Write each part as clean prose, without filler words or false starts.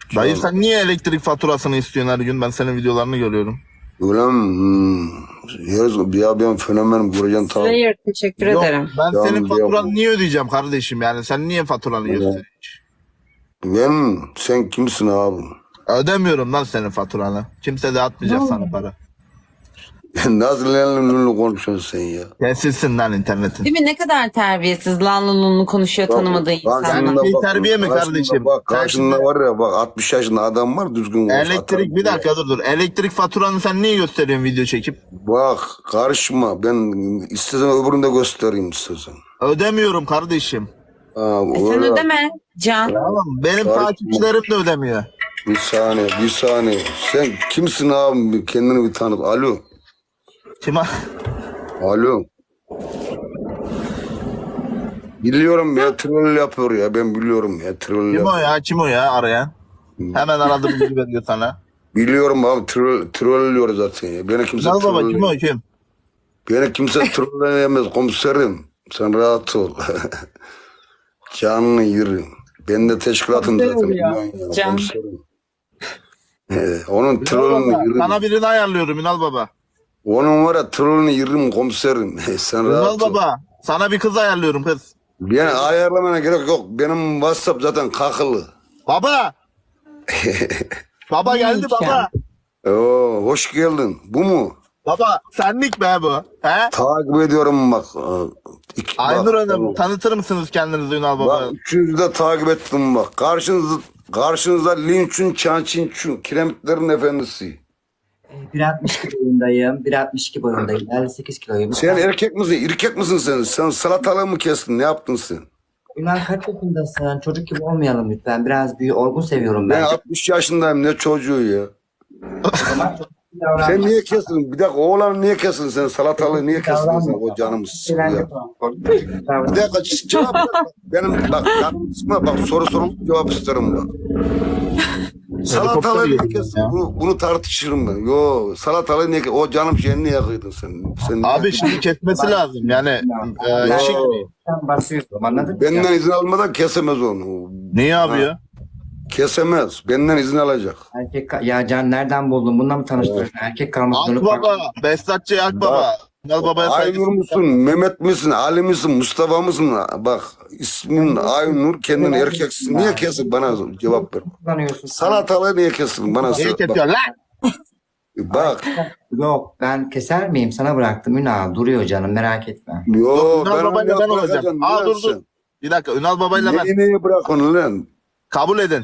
Dayı sen niye elektrik faturasını istiyorsun her gün? Ben senin videolarını görüyorum. Ulan ya ben fenomenim göreceksin tamam. Slayer teşekkür Yok, ederim. ben Canım senin diyor faturanı bu. niye ödeyeceğim kardeşim? Yani sen niye faturanı gösteriyorsun? Sen kimsin abi? Ödemiyorum lan senin faturanı. Kimse de atmayacak sana para. Nasıl lenli konuşuyorsun sen ya? Kesilsin lan internetin. Değil mi? Ne kadar terbiyesiz lanlılığını konuşuyor tanımadığı insanlar. Yani bir terbiye mi kardeşim? Bak Sen karşında şimdi- var ya bak 60 yaşında adam var düzgün konuş. Elektrik bir dakika dur. Elektrik faturanı sen niye gösteriyorsun video çekip? Bak karışma ben istesem öbürünü de göstereyim istesem. Ödemiyorum kardeşim. Ha, Sen öyle. ödeme Can. Tamam benim Karışma. takipçilerim de ödemiyor. Bir saniye. Sen kimsin abi? Kendini bir tanıt. Kime? Alo. Biliyorum ya troll yapıyor ya ben biliyorum ya troll Kim o yapıyor. ya? Kim o ya arayan? Hemen aradı bilgi veriyor sana. Biliyorum abi trollüyor zaten ya. Beni kimse Gel baba kim o troll kim? Beni kimse trolleyemez komiserim. Sen rahat ol. Canını yerim. Ben de teşkilatım Komiser zaten. ol ya. biliyorsun ya, Can. komiserim. Onun Ünal trollünü baba, yerim. sana birini ayarlıyorum Ünal baba. Onun var ya trollünü yerim komiserim. Sen Ünal rahat ol. baba sana bir kız ayarlıyorum kız. Yani ayarlamana gerek yok. Benim WhatsApp zaten kakılı. Baba! Baba geldi Neymiş baba. ya? Oo, hoş geldin. Bu mu? Baba senlik be bu. He? Takip ediyorum bak. Aynur Bak, Hanım tanıtır mısınız kendinizi Ünal baba? bak üçünüzü de takip ettim bak. Karşınızda Linçün, Çançinçün, Kiremitlerin efendisi. 1.62 boyundayım. 1.62 boyundayım. 58 kiloyum. Sen erkek misin? İrkek misin sen? Sen salatalığı mı kestin? Ne yaptın sen? Ünal kaç yaşındasın? Çocuk gibi olmayalım lütfen. Biraz büyük, olgun seviyorum Ben ben. 60 yaşındayım. Ne çocuğu ya? O zaman çocuk gibi davran. Sen niye kestin? Bir dakika oğlan niye kestin sen? Salatalığı niye kestin sen? O canımı sıkıyor ya. Bir dakika cevap ver. Benim bak canımı sıkma. Bak soru sorun cevap isterim bak. Salatalığı niye geliyor kestin? ya. Bunu tartışırım ben. Yo salatalığı niye kestin? O canım şeyini niye kıydın sen niye Abi kıydın? şimdi kesmesi lazım yani. Işık. Sen basıyorsun anladın mı? Benden izin almadan kesemez onu. Niye abi ya? Kesemez. Benden izin alacak. Erkek ya Can nereden buldun? Bununla mı tanıştırdın? Erkek kalmak Akbaba, Behzatçı Akbaba. Ünal babaya Aynur saygısın. musun? Mehmet misin? Ali misin? Mustafa mısın? Bak ismin Aynur kendin erkeksin. Niye kesin? Bana cevap ver. kullanıyorsun. Salatalığı niye kesin? Bana Niye söyle. kesiyor lan? Bak. Yok ben keser miyim? Sana bıraktım Ünal. Duruyor canım merak etme. Yo Ünal ben babayla onu ben olacağım. bırakacağım. Aa dur dur. Bir dakika Ünal babayla ben. Neyi bırak onu lan? Kabul edin.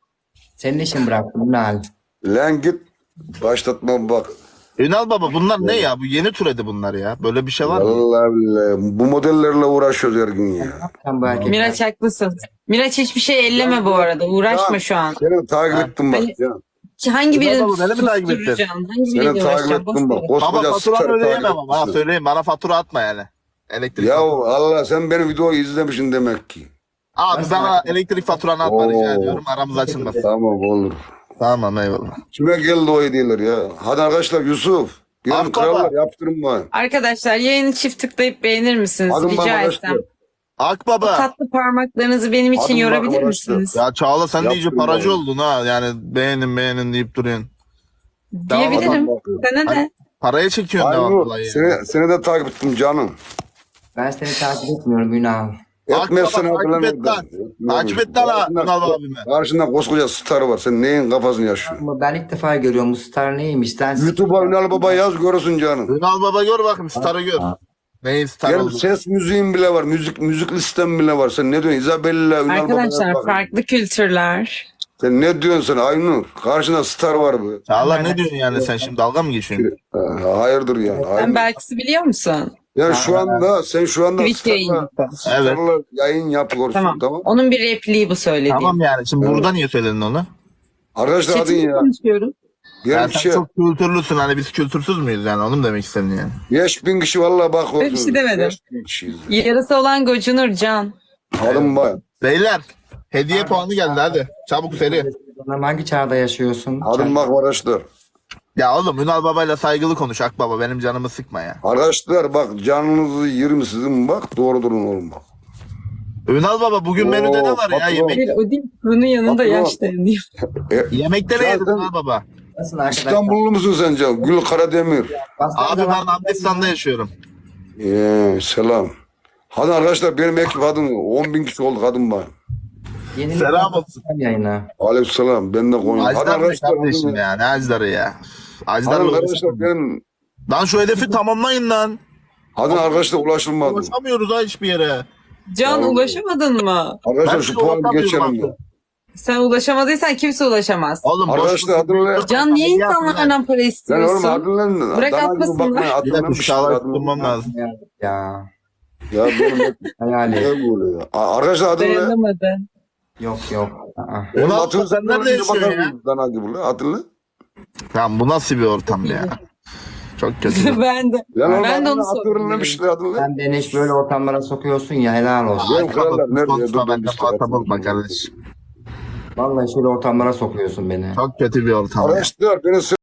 Senin için bıraktım Ünal. Lan git. Başlatma bak. Ünal baba bunlar ne ya? Bu yeni türedi bunlar ya. Böyle bir şey var mı? Vallahi billahi. Bu modellerle uğraşıyoruz her gün ya. Sen bu erkekler. Miraç haklısın. Miraç hiçbir şey elleme bu arada. Uğraşma şu an. Seni takip ettim bak. Ben- Can. Hangi Ünal birini baba, beni mi takip ettin? susturacağım? Hangi Seni biriyle takip uğraşacağım? ettim bak. Boş ver. Baba Koskoca faturanı starı ödeyemem takip ama. Ha etmişsin. söyleyeyim bana fatura atma yani. Elektrik Ya faturası. Allah sen benim videoyu izlemişsin demek ki. Abi bana elektrik faturanı atma rica ediyorum. Aramız açılmasın. Tamam olur. Tamam eyvallah. Kime geldi o hediyeler ya? Hadi arkadaşlar Yusuf. Benim Ak krallar baba. yaptırın bana. Arkadaşlar yayını çift tıklayıp beğenir misiniz? Hadi Rica arkadaşlar. etsem. O Akbaba. tatlı parmaklarınızı benim için Hadi yorabilir arkadaşlar. misiniz? Ya Çağla sen de iyice Yaptırın paracı bana. oldun ha. Yani beğenin deyip duruyorsun. Diyebilirim. Tamam, Sana de. Paraya çekiyorsun devam Aynur olayı. seni de takip ettim canım. Ben seni takip etmiyorum Ünal. Etmezsen Akbaba, takip et lan. Takip et lan Ünal abime. Karşında koskoca star var. Sen neyin kafasını yaşıyorsun? Ama ben ilk defa görüyorum bu star neymiş. Sen YouTube'a Ünal Baba yaz görürsün canım. Ünal baba gör bakayım starı gör. Neyin star Benim oldu? ses müziğim bile var. Müzik listem bile var. Sen ne diyorsun? Isabella, Ünal Baba'ya Arkadaşlar bak. farklı kültürler. Sen ne diyorsun sen Aynur? Karşında star var bu. Çağla ne diyorsun yani sen şimdi dalga mı geçiyorsun? Hayırdır yani. Sen Hayırdır. Belkıs'ı biliyor musun? Yani sen şu anda Twitch yayını. starla yayın yapıyorsun. Tamam. Tamam. Onun bir repliği bu söylediğim. Tamam yani şimdi burada niye söyledin onu? Arkadaşlar hadi Chat'te ya. konuşuyorum. Yani Bir sen şey. çok kültürlüsün hani biz kültürsüz müyüz yani onu mu demek istedin yani? 5000 kişi vallahi bak. Öyle bir şey demedim. 5000 kişiyiz. Yarası olan gocunur Can. Adım bak. Beyler hediye puanı geldi hadi. Çabuk seri. hangi çağda yaşıyorsun? Adım bak arkadaşlar. Ya oğlum Ünal babayla saygılı konuş Akbaba benim canımı sıkma ya. Arkadaşlar bak canınızı yerim sizin bak. Doğru durun oğlum bak. Ünal baba bugün menüde ne var ya? patron. Yemek, Hayır o değil. Bunun yanında Patron. yaş dayanıyor. yemekte ne yedin Zaten- Ünal baba? Nasılsın arkadaşlar? İstanbullu musun sence? Gül Karademir. Bastığın Abi zaman- ben Afganistan'da yaşıyorum. Selam. Hadi arkadaşlar benim ekip adım 10.000 kişi oldu kadın var. Yeni Selam olsun. yayına. Aleykümselam. Ben de koyayım. Hadi Ajdar ne arkadaşlar. kardeşim ya? Ne Ajdar'ı ya? Ajdar'la Hadi arkadaşlar uğraşamıyorum. benim. Lan şu hedefi tamamlayın lan. Hadi arkadaşlar ulaşılmadı. Ulaşamıyoruz ha hiçbir yere. Can Tamam. ulaşamadın mı? Arkadaşlar Ben şu şu puanı ulaşamıyorum geçelim artık. ya. Sen ulaşamadıysan kimse ulaşamaz. Oğlum Arkadaşlar adını Can niye insanlardan para Lan istiyorsun? oğlum adını Bırak dana gibi atmasınlar. bakmayın, Bir adını dakika bir şu şey şahlar adını- tutmam lazım. Ya. Ya benim ekip Hayali. ne böyle ya? Arkadaşlar adını ne? Dayanamadı. Yok yok. Aa. Benim Ulan adını sen nerede yaşıyorsun ya? Dana gibi lan adını. Tamam bu nasıl bir ortam ya? Çok kötü. Ben de. Lan oğlum Ben de onu adını sordum. hatırlamışlar adını. Sen beni hiç böyle ortamlara sokuyorsun ya, helal olsun. Benim krallar nerede? Konuşma Dur, ben de işte, muhatap hatırladım. olma kardeşim. Vallahi şöyle ortamlara sokuyorsun beni. Çok kötü bir ortam ya. Arkadaşlar beni